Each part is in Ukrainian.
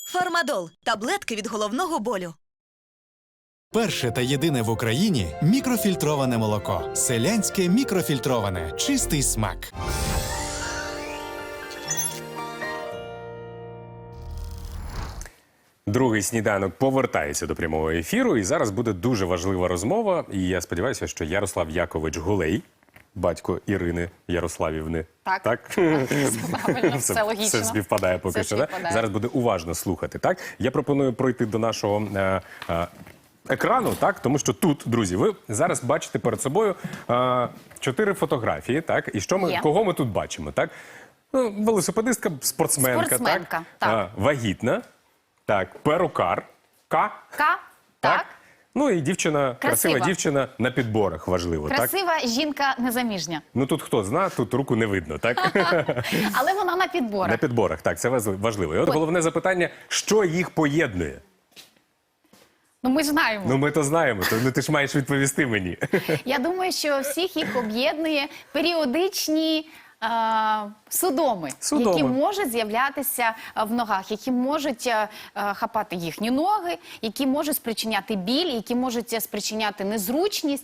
Фармадол – таблетки від головного болю. Перше та єдине в Україні мікрофільтроване молоко. Селянське мікрофільтроване. Чистий смак. Другий сніданок повертається до прямого ефіру, і зараз буде дуже важлива розмова. І я сподіваюся, що Ярослав Якович Гулей, батько Ірини Ярославівни. Так. Правильно, все логічно. Все співпадає поки що. співпадає. Зараз буде уважно слухати. Так? Я пропоную пройти до нашого екрану, так? Тому що тут, друзі, ви зараз бачите перед собою 4 фотографії. Так? І кого ми тут бачимо? Так? Ну, велосипедистка, спортсменка, так. Вагітна. Так, перукар. Так. Ну і дівчина, красива Красива. дівчина на підборах, важливо, так? Красива жінка незаміжня. Ну тут хто знає, тут руку не видно, так? Але вона на підборах. На підборах, так, це важливо. І от головне запитання, що їх поєднує? Ну ми ж знаємо. Ну ми то знаємо, то ти ж маєш відповісти мені. Я думаю, що всіх їх об'єднує періодичні судоми, які можуть з'являтися в ногах, які можуть хапати їхні ноги, які можуть спричиняти біль, які можуть спричиняти незручність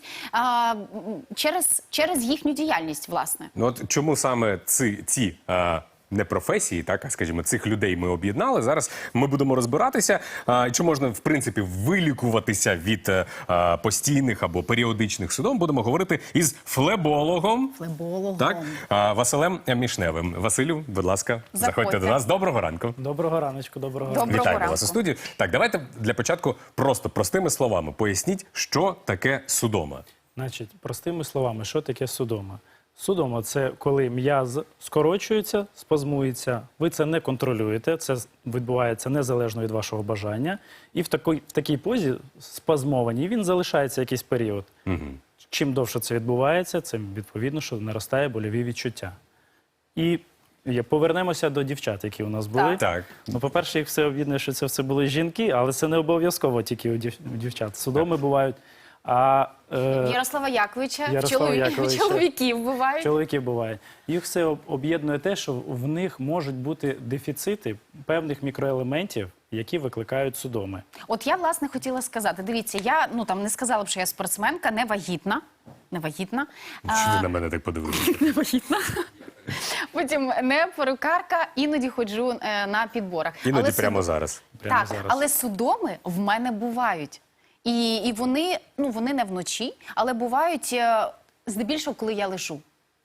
через їхню діяльність, власне. Ну от чому саме ці не професії, так, а скажімо, цих людей ми об'єднали. Зараз ми будемо розбиратися, чи можна, в принципі, вилікуватися від постійних або періодичних судом. Будемо говорити із флебологом. Так, Василем Мішневим. Василю, будь ласка, заходьте до нас. Доброго ранку. Доброго раночку, доброго ранку. Вітаємо вас у студії. Так, давайте для початку просто простими словами поясніть, що таке судома. Значить, простими словами, що таке судома? Судома – це коли м'яз скорочується, спазмується, ви це не контролюєте, це відбувається незалежно від вашого бажання, і в такій позі спазмованій він залишається якийсь період. Чим довше це відбувається, цим відповідно, що наростає больові відчуття. І повернемося до дівчат, які у нас були. Так. Ну, по-перше, їх все об'єднує, що це все були жінки, але це не обов'язково тільки у дівчат. Судоми бувають. Ярослава Яковича, чоловіків бувають. Чоловіків бувають. Їх все об'єднує те, що в них можуть бути дефіцити певних мікроелементів, які викликають судоми. От я, власне, хотіла сказати, дивіться, я не сказала б, що я спортсменка, не вагітна. Що ти на мене так подивилися? Не вагітна. Потім не перукарка, іноді ходжу на підборах. Іноді прямо зараз. Але судоми в мене бувають. І вони не вночі, але бувають здебільшого, коли я лежу.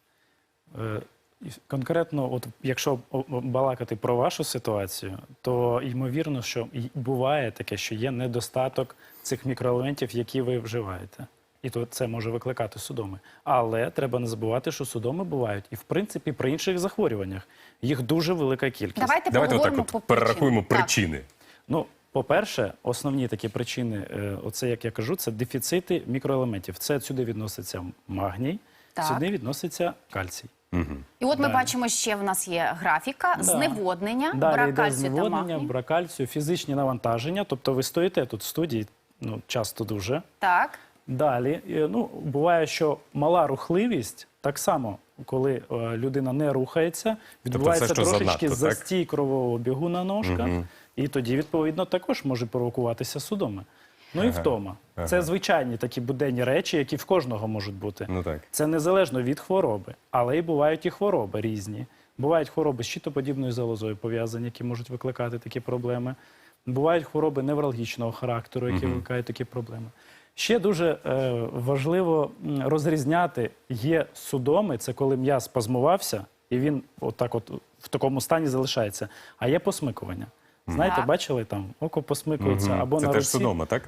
Конкретно, от якщо балакати про вашу ситуацію, то ймовірно, що буває таке, що є недостаток цих мікроелементів, які ви вживаєте. І то це може викликати судоми. Але треба не забувати, що судоми бувають і, в принципі, при інших захворюваннях. Їх дуже велика кількість. Давайте отак перерахуємо причини. Ну, по-перше, основні такі причини, оце, як я кажу, це дефіцити мікроелементів. Це сюди відноситься магній, сюди відноситься кальцій. І от ми бачимо, ще в нас є графіка, зневоднення, брак кальцію та магнію. Брак кальцію, фізичні навантаження, тобто ви стоїте тут в студії, часто дуже. Так. Далі, буває, що мала рухливість, так само, коли людина не рухається, відбувається трошечки застій кровового обігу на ножках, і тоді, відповідно, також може провокуватися судоми. Ну і втома. Це звичайні такі буденні речі, які в кожного можуть бути. Це незалежно від хвороби, але і бувають і хвороби різні. Бувають хвороби з щитоподібною залозою пов'язані, які можуть викликати такі проблеми. Бувають хвороби невралгічного характеру, які викликають такі проблеми. Ще дуже важливо розрізняти, є судоми, це коли м'яз спазмувався, і він в такому стані залишається, а є посмикування. Знаєте, бачили, там око посмикується або на руці. Це теж судома, так?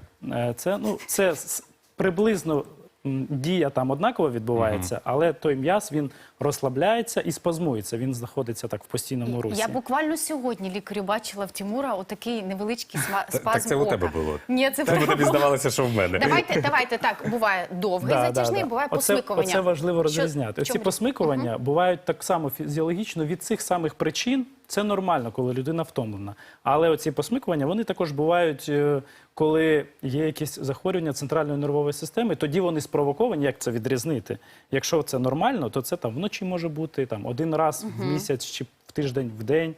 Це приблизно дія там однаково відбувається, але той м'яз, він розслабляється і спазмується, він знаходиться так в постійному русі. Я буквально сьогодні лікарю бачила в Тимура отакий невеличкий спазм ока. Так це у тебе було? Ні, це тобі здавалося, що в мене. Давайте так, буває довгий затяжний, буває посмикування. Оце важливо розрізняти. Оці посмикування бувають так само фізіологічно від цих самих причин. Це нормально, коли людина втомлена. Але оці посмикування, вони також бувають, коли є якісь захворювання центральної нервової системи, тоді вони спровоковані, як це відрізнити. Якщо це нормально, то це там вночі може бути, там один раз в місяць чи в тиждень, в день.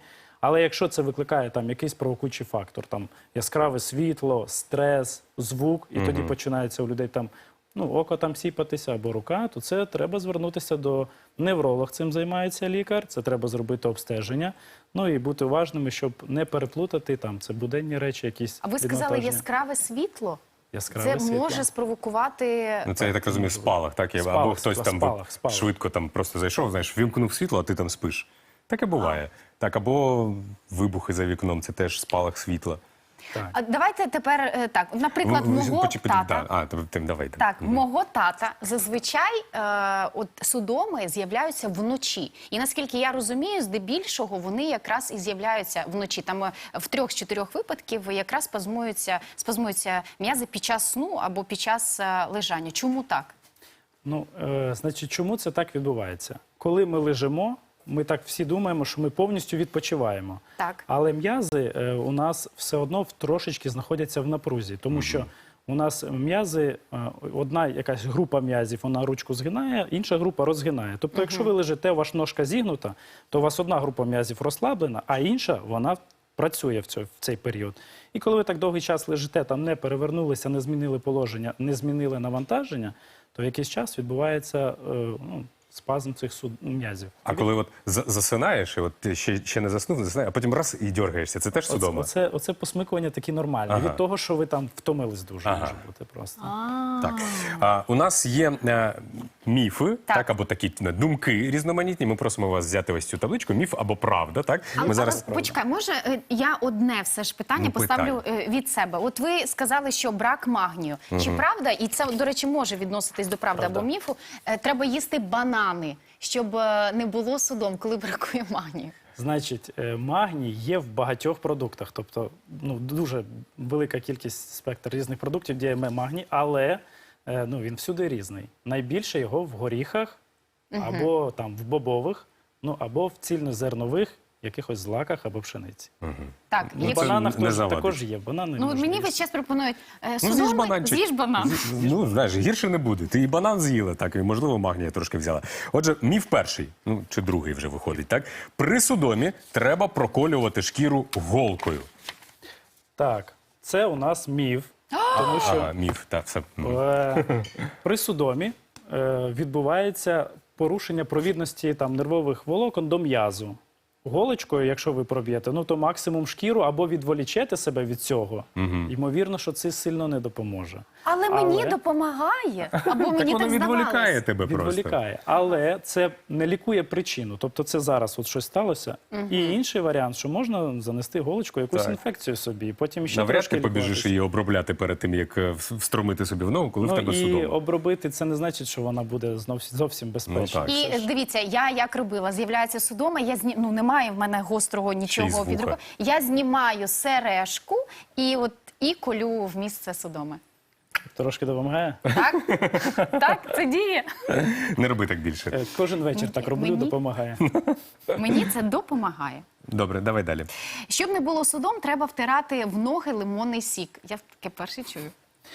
Але якщо це викликає там якийсь провокуючий фактор, там яскраве світло, стрес, звук, і тоді починається у людей там око там сіпатися або рука, то це треба звернутися до невролога, цим займається лікар, це треба зробити обстеження, ну і бути уважними, щоб не переплутати там, це буденні речі якісь. А ви сказали віднавантаження. яскраве світло? Яскраве Це світло. може спровокувати... Ну, це, я так розумію, спалах, так? Спалах, Або хтось там спалах. швидко там просто зайшов, знаєш, вімкнув світло, а ти там спиш. Таке буває. Так, або вибухи за вікном, це теж спалах світла. Так. А давайте тепер так. Наприклад, мого тата. Давай. Так, мого тата зазвичай от судоми з'являються вночі. І наскільки я розумію, здебільшого вони якраз і з'являються вночі. Там в 3 з 4 випадків якраз спазмуються м'язи під час сну або під час лежання. Чому так? Ну, значить, чому це так відбувається? Коли ми лежимо, ми так всі думаємо, що ми повністю відпочиваємо. Так. Але м'язи у нас все одно трошечки знаходяться в напрузі, тому що у нас м'язи, одна якась група м'язів, вона ручку згинає, інша група розгинає. Тобто, якщо ви лежите, ваша ножка зігнута, то у вас одна група м'язів розслаблена, а інша, вона працює в цей період. І коли ви так довгий час лежите, там не перевернулися, не змінили положення, не змінили навантаження, то в якийсь час відбувається спазм цих м'язів. А коли от засинаєш, і от ти ще не заснув, а потім раз і дергаєшся, це теж судома? Оце посмикування такі нормальні. Ага. Від того, що ви там втомились дуже, може бути просто. Так. У нас є міфи, Так. так, або такі думки різноманітні. Ми просимо вас взяти ось цю табличку. Міф або правда, так? Але почекай, може я одне все ж питання поставлю питання. від себе. От ви сказали, що брак магнію. Чи правда, і це, до речі, може відноситись до правди або міфу, треба їсти банани, щоб не було судом, коли бракує магнію? Значить, магній є в багатьох продуктах. Тобто, дуже велика кількість спектр різних продуктів, де є магній, але він всюди різний. Найбільше його в горіхах, або там в бобових, або в цільнозернових якихось злаках або пшениці. Так, В бананах також є. Банани мені весь час пропонують з'їж судоми, бананчик. з'їж банан. Знаєш, гірше не буде. Ти і банан з'їла, так, і, можливо, магнія трошки взяла. Отже, міф перший, чи другий вже виходить, так? При судомі треба проколювати шкіру голкою. Так, це у нас міф. Тому що міф, так, все. при судомі відбувається порушення провідності нервових волокон до м'язу. Голочкою, якщо ви проб'єте, то максимум шкіру або відволічете себе від цього. Ймовірно, що це сильно не допоможе. Але мені допомагає, або мені воно так відволікає здавалось. тебе просто. Відволікає. Але це не лікує причину. Тобто це зараз от щось сталося. І інший варіант, що можна занести голочкою якусь Так. інфекцію собі. Потім ще Навряд трошки ти побіжиш лікуватися. її обробляти перед тим, як встромити собі в ногу, коли в тебе І судома. обробити це не значить, що вона буде зовсім безпечна. так. І дивіться, я як робила, з'являється судома, немає в мене гострого Ще й з нічого вуха. від руки. Я знімаю сережку і колю в місце судоми. Трошки допомагає. Так? Так, це діє. Не роби так більше. Кожен вечір так роблю, Мені? допомагає. Мені це допомагає. Добре, давай далі. Щоб не було судом, треба втирати в ноги лимонний сік. Я таке перше чую.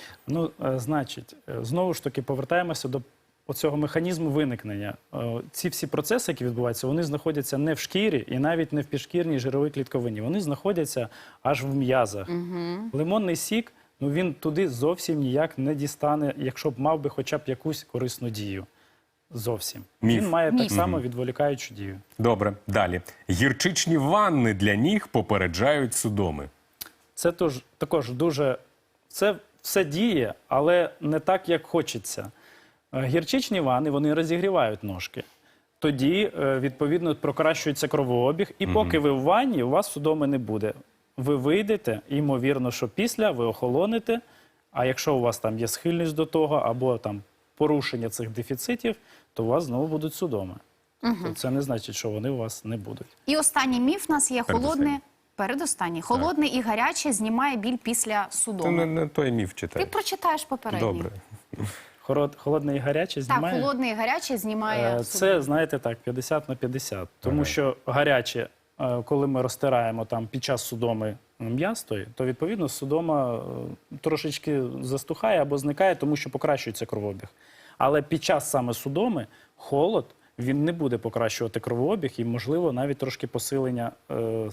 Значить, знову ж таки повертаємося до оцього механізму виникнення. Ці всі процеси, які відбуваються, вони знаходяться не в шкірі і навіть не в підшкірній жировій клітковині. Вони знаходяться аж в м'язах. Лимонний сік, він туди зовсім ніяк не дістане, якщо б мав би хоча б якусь корисну дію. Зовсім. Міф. Він має Міф. так само відволікаючу дію. Добре, далі. Гірчичні ванни для ніг попереджають судоми. Це також дуже... Це все діє, але не так, як хочеться. Гірчичні ванни, вони розігрівають ножки. Тоді, відповідно, покращується кровообіг. І поки ви в ванні, у вас судоми не буде. Ви вийдете, і, ймовірно, що після ви охолонете. А якщо у вас там є схильність до того, або там порушення цих дефіцитів, то у вас знову будуть судоми. Тобто це не значить, що вони у вас не будуть. І останній міф у нас є передостанній. Холодне і гаряче знімає біль після Ти судоми. не той міф Ти читай. прочитаєш попередній. Добре. Холодне і гаряче знімає? Так, холодне і гаряче знімає судоми. Це, знаєте, так, 50 на 50. Тому що гаряче, коли ми розтираємо там під час судоми м'яз, то відповідно судома трошечки застухає або зникає, тому що покращується кровообіг. Але під час саме судоми холод, він не буде покращувати кровообіг і, можливо, навіть трошки посилення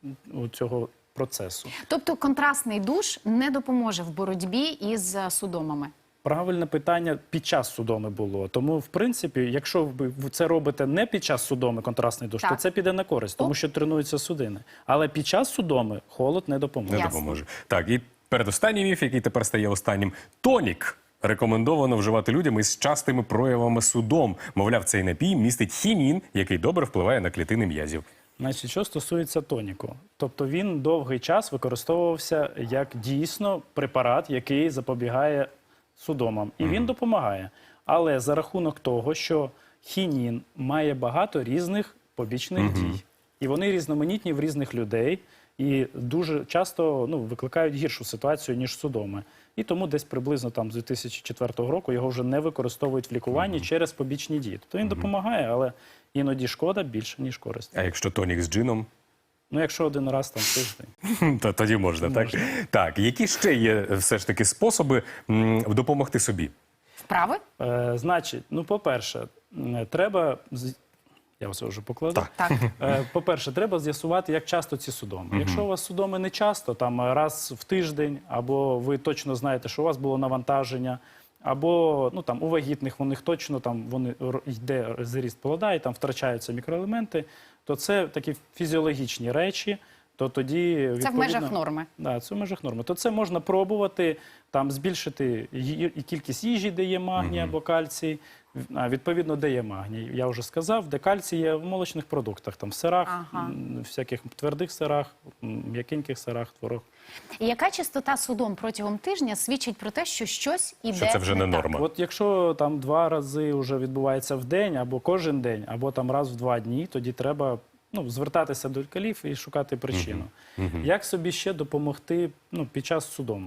цього процесу. Тобто контрастний душ не допоможе в боротьбі із судомами? Правильне питання під час судоми було. Тому, в принципі, якщо ви це робите не під час судоми, контрастний душ, то Так. це піде на користь, тому що тренуються судини. Але під час судоми холод не допоможе. Не Ясно. допоможе. Так, і передостанній міф, який тепер стає останнім. Тонік рекомендовано вживати людям із частими проявами судом. Мовляв, цей напій містить хінін, який добре впливає на клітини м'язів. Значить, що стосується тоніку, тобто він довгий час використовувався як дійсно препарат, який запобігає судомам. І він допомагає. Але за рахунок того, що хінін має багато різних побічних дій. І вони різноманітні в різних людей. І дуже часто викликають гіршу ситуацію, ніж судоми. І тому десь приблизно там з 2004 року його вже не використовують в лікуванні через побічні дії. Тобто він допомагає, але іноді шкода більше, ніж користь. А якщо тонік з джином? Ну, якщо один раз там тиждень. То тоді можна, так? Так, які ще є все ж таки способи допомогти собі? Вправи? Значить, по-перше, треба... Я все вже покладу. Так. По-перше, треба з'ясувати, як часто ці судоми. Якщо у вас судоми не часто, там раз в тиждень, або ви точно знаєте, що у вас було навантаження, або там у вагітних у них точно йде зріст плода і там втрачаються мікроелементи, то це такі фізіологічні речі. То тоді, Це в межах норми. Да, це в межах норми. То це можна пробувати, там збільшити і кількість їжі, де є магній або кальцій. Відповідно, де є магній. Я вже сказав, де кальцій є в молочних продуктах, там в сирах, всяких твердих сирах, м'якеньких сирах, творог. І яка частота судом протягом тижня свідчить про те, що щось іде Що це вже не так? норма. От якщо там 2 рази вже відбувається в день, або кожен день, або там раз в 2 дні, тоді треба звертатися до лікарів і шукати причину. Як собі ще допомогти під час судому?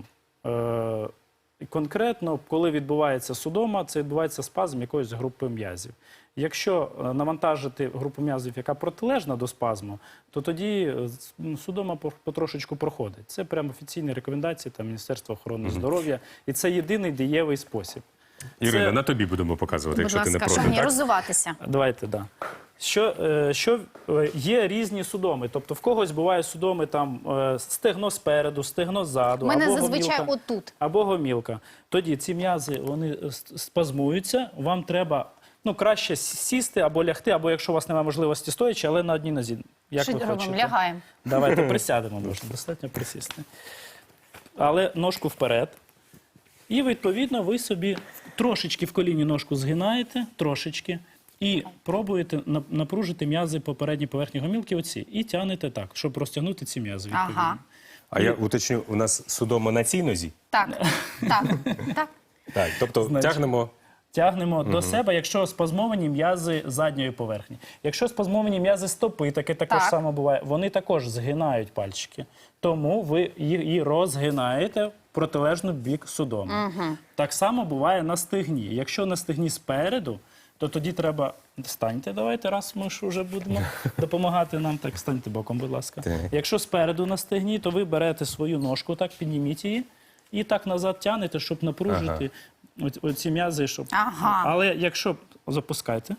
Конкретно, коли відбувається судома, це відбувається спазм якоїсь групи м'язів. Якщо навантажити групу м'язів, яка протилежна до спазму, то тоді судома потрошечку проходить. Це прямо офіційні рекомендації Міністерства охорони здоров'я. І це єдиний дієвий спосіб. Ірина, на тобі будемо показувати, Будь якщо ти не ласка, проти, шановні, так? роззуватися. Давайте, да. Що є різні судоми. Тобто в когось буває судоми там стегно спереду, стегно ззаду, У мене або зазвичай гомілка, отут. або гомілка. Тоді ці м'язи, вони спазмуються, вам треба краще сісти або лягти, або якщо у вас немає можливості стоячи, але на одній нозі. Як Що ви робимо? хочете? Лягаємо. Давайте присядемо, можна достатньо присісти. Але ножку вперед. І, відповідно, ви собі трошечки в коліні ножку згинаєте, трошечки, і пробуєте напружити м'язи по передній поверхні гомілки оці. І тягнете так, щоб розтягнути ці м'язи, відповідно. Ага. А я уточню, у нас судома на цій нозі? Так, так, так. Так, тобто Значить, тягнемо... Тягнемо до себе, якщо спазмовані м'язи задньої поверхні. Якщо спазмовані м'язи стопи, таке також Так. само буває, вони також згинають пальчики. Тому ви її розгинаєте в протилежну бік судому. Так само буває на стегні. Якщо на стегні спереду, то тоді треба... Станьте, давайте, раз ми ж вже будемо допомагати нам. Так, станьте боком, будь ласка. Так. Якщо спереду на стегні, то ви берете свою ножку, так, підніміть її і так назад тягнете, щоб напружити оці м'язи. Щоб... Ага. Але якщо, запускайте,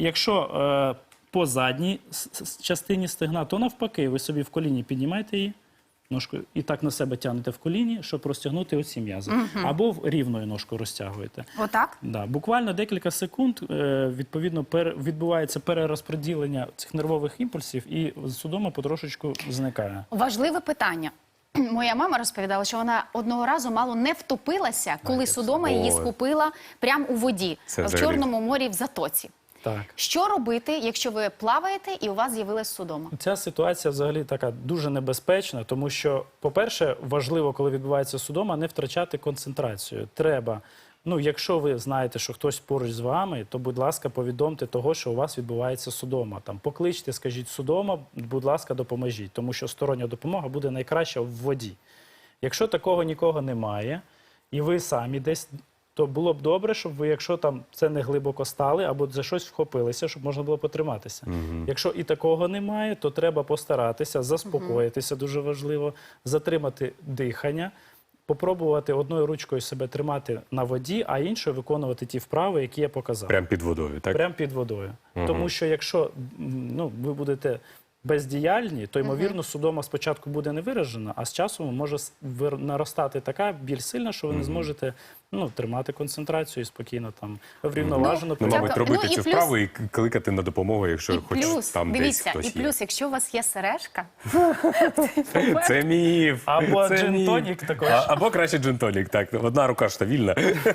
якщо по задній частині стегна, то навпаки, ви собі в коліні піднімаєте її, ножкою, і так на себе тягнете в коліні, щоб розтягнути оці м'язи. Або рівною ножкою розтягуєте. Отак? Да, буквально декілька секунд, відповідно, відбувається перерозподілення цих нервових імпульсів, і судома потрошечку зникає. Важливе питання. Моя мама розповідала, що вона одного разу мало не втопилася, коли судома її схопила прямо у воді, Це в взагалі. Чорному морі в затоці. Так. Що робити, якщо ви плаваєте і у вас з'явилась судома? Ця ситуація взагалі така дуже небезпечна, тому що, по-перше, важливо, коли відбувається судома, не втрачати концентрацію. Треба, якщо ви знаєте, що хтось поруч з вами, то, будь ласка, повідомте того, що у вас відбувається судома. Там, покличте, скажіть судома, будь ласка, допоможіть, тому що стороння допомога буде найкраща в воді. Якщо такого нікого немає, і ви самі десь, то було б добре, щоб ви, якщо там це не глибоко стали, або за щось вхопилися, щоб можна було потриматися. Якщо і такого немає, то треба постаратися, заспокоїтися, дуже важливо, затримати дихання, попробувати одною ручкою себе тримати на воді, а іншою виконувати ті вправи, які я показав. Прямо під водою, так? Прямо під водою. Тому що якщо ви будете бездіяльні, то, ймовірно, судома спочатку буде не виражена, а з часом може наростати така біль сильна, що ви не зможете тримати концентрацію і спокійно там врівноважено. Ну, мабуть, робити Ну, і цю плюс- вправу і кликати на допомогу, якщо І хоч плюс, там десь дивіться, хтось і є. плюс, якщо у вас є сережка, Це міф. Або Це джин-тонік міф. також. Або краще джин-тонік, так. Одна рука ж та вільна.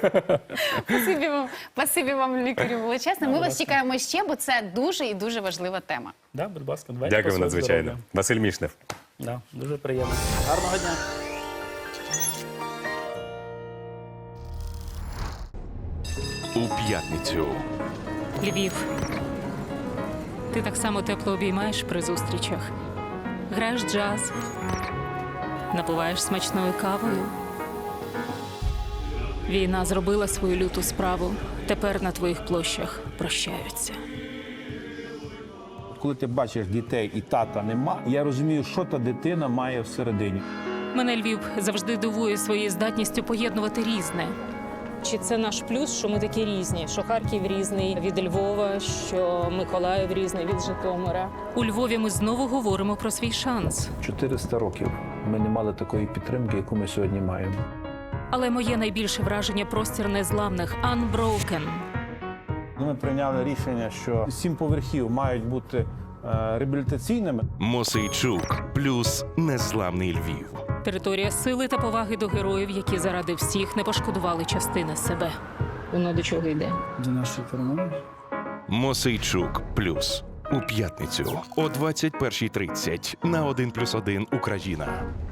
спасибі вам, лікарю, величезне. Ми вас чекаємо ще, бо це дуже і дуже важлива тема. Да, будь ласка, давайте Дякую по своєму надзвичайно. здоров'ю. Василь Мішнев. Да, дуже приємно. Гарного дня. У п'ятницю Львів. Ти так само тепло обіймаєш при зустрічах. Граєш джаз, напиваєш смачною кавою. Війна зробила свою люту справу. Тепер на твоїх площах прощаються. Коли ти бачиш дітей і тата нема, я розумію, що та дитина має всередині. Мене Львів завжди дивує своєю здатністю поєднувати різне. Чи це наш плюс, що ми такі різні? Що Харків різний від Львова, що Миколаїв різний від Житомира. У Львові ми знову говоримо про свій шанс. 400 років ми не мали такої підтримки, яку ми сьогодні маємо. Але моє найбільше враження – простір незламних – Unbroken. Ми прийняли рішення, що 7 поверхів мають бути реабілітаційними. Мосейчук плюс незламний Львів. Територія сили та поваги до героїв, які заради всіх не пошкодували частини себе. Воно до чого йде? До нашої перемоги. Мосейчук плюс у п'ятницю о 21:30 на 1+1 Україна.